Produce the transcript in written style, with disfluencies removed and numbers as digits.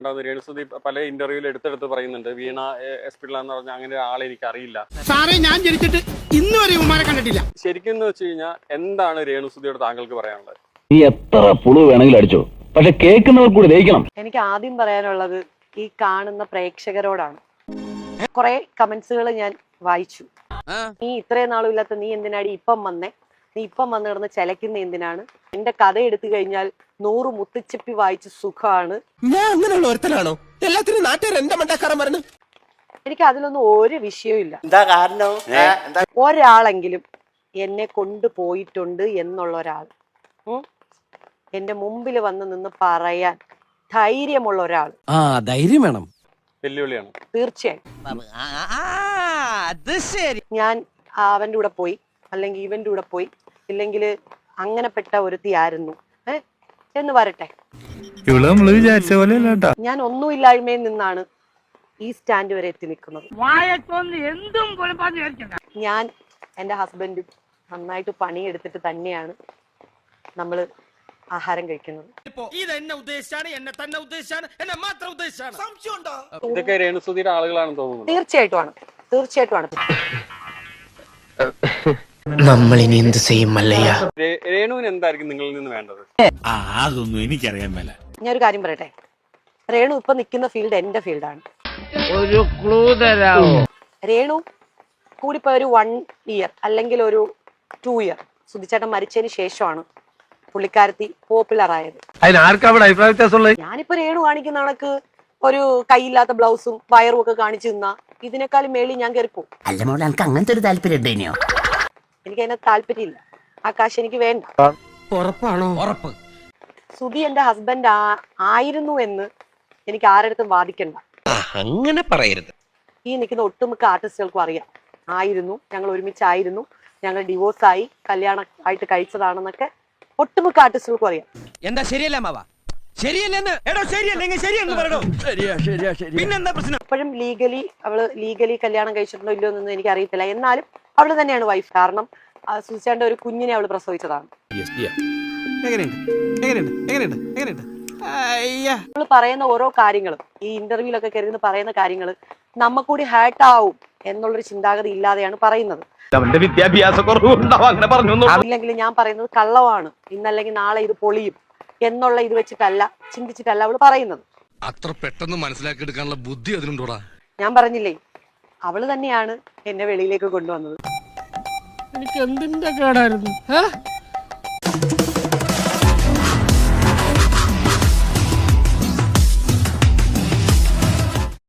രേണുസുതി പല ഇന്റർവ്യൂവിൽ എടുത്തെടുത്ത് പറയുന്നുണ്ട് വീണ എസ് പിള്ള എന്ന് പറഞ്ഞ അങ്ങനെ ആളെ എനിക്ക് അറിയില്ല. സാറേ ഞാൻ ജനിച്ചിട്ട് ഇന്ന് വരെ ഉമ്മാരെ കണ്ടിട്ടില്ല. ശരിക്കും എന്ന് വെച്ച് കഴിഞ്ഞാൽ എന്താണ് രേണുസുതിയോട് താങ്കൾക്ക് പറയാനുള്ളത്? നീ എത്ര പുളു വേണമെങ്കിലും അടിച്ചോ, പക്ഷെ കേൾക്കുന്നവർ കൂടി ദഹിക്കണം. എനിക്ക് ആദ്യം പറയാനുള്ളത് ഈ കാണുന്ന പ്രേക്ഷകരോടാണ്. കുറെ കമന്റ്സുകൾ ഞാൻ വായിച്ചു. നീ ഇത്രയും നാളും ഇല്ലാത്ത നീ എന്തിനാടി ഇപ്പം വന്നേ, നീ ഇപ്പം വന്ന് കിടന്ന് ചിലക്കുന്ന എന്തിനാണ്, എന്റെ കഥ എടുത്തു കഴിഞ്ഞാൽ 100 മുത്തിച്ചിപ്പി വായിച്ച് സുഖമാണ്. ഞാൻ അങ്ങനെയുള്ള ഒരുത്തനാണോ? എല്ലാത്തിനും നാട്ടുകാർ എന്റെ മണ്ടക്കാരൻ പറഞ്ഞു. എനിക്ക് അതിലൊന്നും ഒരു വിഷയമില്ല. ഒരാളെങ്കിലും എന്നെ കൊണ്ടുപോയിട്ടുണ്ട് എന്നുള്ള ഒരാൾ, എന്റെ മുമ്പിൽ വന്ന് നിന്ന് പറയാൻ ധൈര്യമുള്ള ഒരാൾ, ധൈര്യം വേണം, വെല്ലുവിളിയാണ് തീർച്ചയായും. ഞാൻ അവന്റെ കൂടെ പോയി, അല്ലെങ്കിൽ ഇവന്റെ കൂടെ പോയി, ഇല്ലെങ്കിൽ അങ്ങനെപ്പെട്ട ഒരുത്തിയായിരുന്നു എന്ന് വരട്ടെ. ഞാൻ ഒന്നുമില്ലായ്മയിൽ നിന്നാണ് ഈ സ്റ്റാൻഡ് വരെ എത്തി നിൽക്കുന്നത്. ഞാൻ എന്റെ ഹസ്ബൻഡും നന്നായിട്ട് പണിയെടുത്തിട്ട് തന്നെയാണ് നമ്മള് ആഹാരം കഴിക്കുന്നത്. ഇതൊക്കെ രേണുസുതിയുടെ ആളുകളാണെന്ന് തോന്നുന്നു. തീർച്ചയായിട്ടുമാണ്, തീർച്ചയായിട്ടുമാണ്. നമ്മളിനി എന്ത് ചെയ്യും മല്ലയ്യ? രേണുവിന് എന്തായിരിക്കും നിങ്ങളിൽ നിന്ന് വേണ്ടത്? അതൊന്നും എനിക്കറിയാൻ മേല. ഞാനൊരു കാര്യം പറയട്ടെ, രേണു ഇപ്പൊ നിൽക്കുന്ന ഫീൽഡ് എന്റെ ഫീൽഡാണ്. ഒരു ക്ലൂ തരാമോ? രേണു കൂടിപ്പോയ ഒരു 1 year അല്ലെങ്കിൽ ഒരു 2 year സുധിച്ചേട്ടൻ മരിച്ചതിന് ശേഷമാണ് പുള്ളിക്കാരത്തി പോപ്പുലർ ആയത്. ഞാനിപ്പോ രേണു കാണിക്കുന്ന കണക്ക് ഒരു കൈയില്ലാത്ത ബ്ലൗസും വയറും ഒക്കെ കാണിച്ചു നിന്നാ ഇതിനേക്കാളും മേളിൽ ഞാൻ കയറിപ്പോ. അല്ല മോളെ, എനിക്ക് അങ്ങനത്തെ ഒരു താല്പര്യം ഉണ്ടോ? എനിക്ക് അതിനെ താല്പര്യമില്ല, ആ കാശ് എനിക്ക് വേണ്ട. ഉറപ്പാണോ? ഉറപ്പ്. സുധി എന്റെ ഹസ്ബൻഡ് ആയിരുന്നു എന്ന് എനിക്ക് ആരടുത്തും വാദിക്കണ്ട. അങ്ങനെ പറയരുത്. ഈ നിൽക്കുന്ന ഒട്ടുമിക്ക ആർട്ടിസ്റ്റുകൾക്കും അറിയാം, ആയിരുന്നു, ഞങ്ങൾ ഒരുമിച്ചായിരുന്നു, ഞങ്ങൾ ഡിവോഴ്സായി കല്യാണം ആയിട്ട് കഴിച്ചതാണെന്നൊക്കെ ഒട്ടുമിക്ക ആർട്ടിസ്റ്റുകൾക്കും അറിയാം. എന്താ ശരിയല്ല മാവ? ഇപ്പോഴും ലീഗലി കല്യാണം കഴിച്ചിട്ടുണ്ടോ ഇല്ലയോ എന്നൊന്നും എനിക്ക് അറിയത്തില്ല. എന്നാലും അവള് തന്നെയാണ് വൈഫ്. കാരണം സുധിച്ചേട്ടന്റെ ഒരു കുഞ്ഞിനെ അവള് പ്രസവിച്ചതാണ്. അവള് പറയുന്ന ഓരോ കാര്യങ്ങളും, ഈ ഇന്റർവ്യൂലൊക്കെ കരുതുന്ന പറയുന്ന കാര്യങ്ങൾ നമ്മക്കൂടി ഹാർട്ട് ആവും എന്നുള്ളൊരു ചിന്താഗതി ഇല്ലാതെയാണ് പറയുന്നത്. ഇല്ലെങ്കിൽ ഞാൻ പറയുന്നത് കള്ളമാണ്, ഇന്നല്ലെങ്കിൽ നാളെ ഇത് പൊളിയും എന്നുള്ള ഇത് വെച്ചിട്ടല്ല, ചിന്തിച്ചിട്ടല്ല അവള് പറയുന്നത്. അത്ര പെട്ടെന്ന് മനസ്സിലാക്കി എടുക്കാനുള്ള ബുദ്ധി അതിനുണ്ടോടാ? ഞാൻ പറഞ്ഞില്ലേ, അവള് തന്നെയാണ് എന്നെ വെളിയിലേക്ക് കൊണ്ടുവന്നത്. എനിക്ക് എന്തിന്റെ കേടായിരുന്നു?